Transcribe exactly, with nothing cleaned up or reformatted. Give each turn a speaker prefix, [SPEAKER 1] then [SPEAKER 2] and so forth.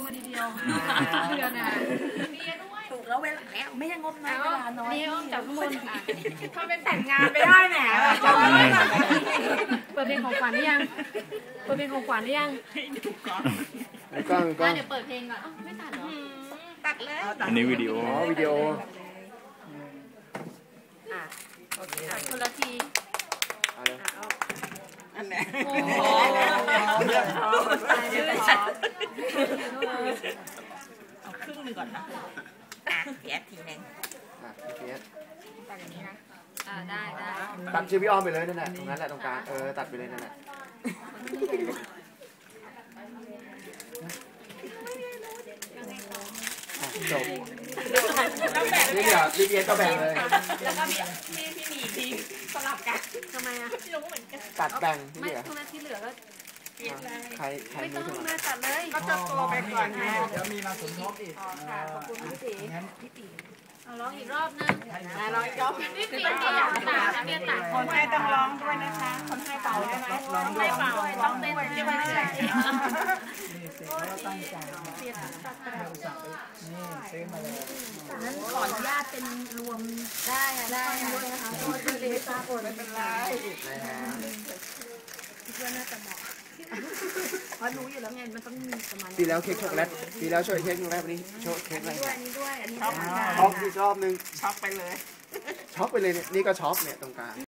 [SPEAKER 1] ทีเดียวเดือนอ่ะถูกแล้วเวลาแล้วไม่ยังงบน้อยเวลาน้อยนี่ต้องจับข้างบนทำเป็นแต่งงานไปได้แหมเปิดเพลงของขวัญหรือยังเปิดเพลงของขวัญหรือยัง
[SPEAKER 2] แล้วก็ก็
[SPEAKER 1] เดี๋ยวเปิดเพลงก่อนไม่ตัดหรอตัดเลย
[SPEAKER 2] อันนี้วิดีโออ๋อวิดีโอ
[SPEAKER 1] อ่ะโอเคคนละทีอันไหนโอ้โหเอาครึ่งหนึ่งก่อนนะอ่ะเพียทีนึง
[SPEAKER 2] อ่ะเพีย
[SPEAKER 1] ตัดอย่างนี้นะอ่าได้ได้
[SPEAKER 2] ตัดชื่อพี่อ้อมไปเลยนั่นแหละตรงนั้นแหละตรงกลางเออตัดไปเลยนั่นแหละจบนี่เดี๋ยวรีบเย็นก็แบ่งเลย
[SPEAKER 1] แล้วก็พี่พี่พี่หมีทีสลับกันทำไมอ่ะไม่รู้เหมือนกัน
[SPEAKER 2] ตัดแบ่ง
[SPEAKER 1] ไม่ทุกนาทีเหลือก็
[SPEAKER 2] ใครใคร
[SPEAKER 1] ไม่ต้อง
[SPEAKER 2] มือ
[SPEAKER 1] มาตัดเลยก็จะตัวไปก่อนไง
[SPEAKER 3] เดี๋ยวมีมาสมทบอีก
[SPEAKER 1] ค่ะขอบคุณพี่ตีพี่ตีเอาร้องอีกรอบนึงร้องอีกรอบพี่ตีที่อยากตัดเนี่ยตัด
[SPEAKER 4] คนให้ต้องร้องด้วยนะคะคนให้เป่าด้วยนะ
[SPEAKER 1] คนให้เป่าต้องเต้นด้วยใช่ไหม
[SPEAKER 3] ตั้งใจนี่ซื้อมาเลย
[SPEAKER 1] นั้นขออนุญาตเป็นรวมได้ได้ด้วยนะคะเพราะว่าเล็กตาปนไม่เป็นไรคิดว่าน่าจะเหมาะเพราะรู้อยู่แล้วไงมันต้องมีประมาณ
[SPEAKER 2] ปีแล้วเค้กช็อกโกแลตปีแล้วช่วยเค้กช็อกโกแลตวันนี้โชว์เค้กอะไร
[SPEAKER 1] ด้วยอันนี้ด้วยอันนี้
[SPEAKER 2] ช็อกอีกรอบนึง
[SPEAKER 4] ช็อกไปเลย
[SPEAKER 2] ช็อกไปเลยนี่ก็ช็อกเนี่ยตรงกลาง